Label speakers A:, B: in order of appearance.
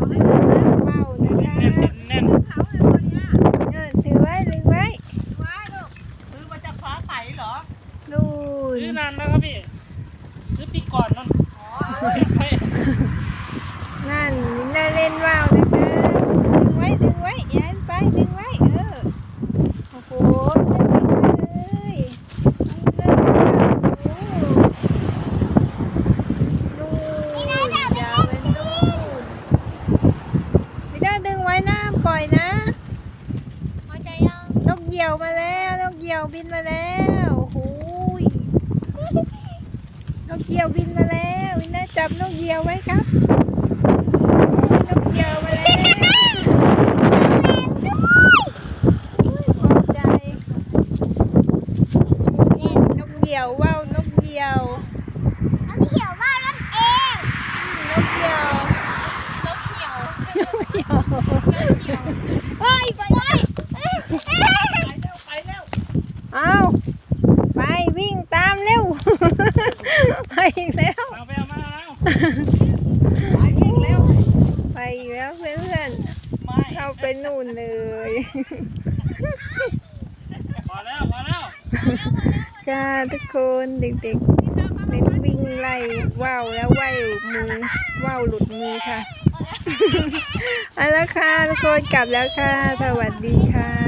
A: ว้าวนะคะ
B: แน่น
A: ถือไว้ถือไว้
C: ซื้อมาจากฟ้าใสเหรอ
A: นู่น
B: ซื้อนานแล้วครับพี่ซื้อปีก่อนนั่นไม่
A: นั่นน่าเล่นว้าวนะคะดึงไว้อย่าให้ไปดึงไว้โอ้โหเลยนู่นยาวไปนู่นไม่ได้ดึงไว้นะปล่อยนะนกเหยี่ยวมาแล้วนกเหยี่ยวบินมาแล้วโอ้โหนกเหยี่ยวบินมาแล้ววินาจับนกเหยี่ยวไว้ครับนกเหยี่ยวมาแล้วพอใจนี่นกเหยี่ยวว้าวนกเหยี่ยวนกเหยี่ยวไปเอาไปวิ่งตามเร็วไปอีกแล้ว
B: เอาไปเอามาแล้ว
C: ไปวิ่งเร็ว
A: ไปอีกแล้วเพื่อน
C: ไม่
A: ๆเข้าไปนู่นเลย
B: พอแล้ว
A: ค่ะทุกคนเด็กๆเป็นวิ่งไล่ว่าวแล้วว่าวมือว่าวหลุดมือค่ะเอาละค่ะทุกคนกลับแล้วค่ะสวัสดีค่ะ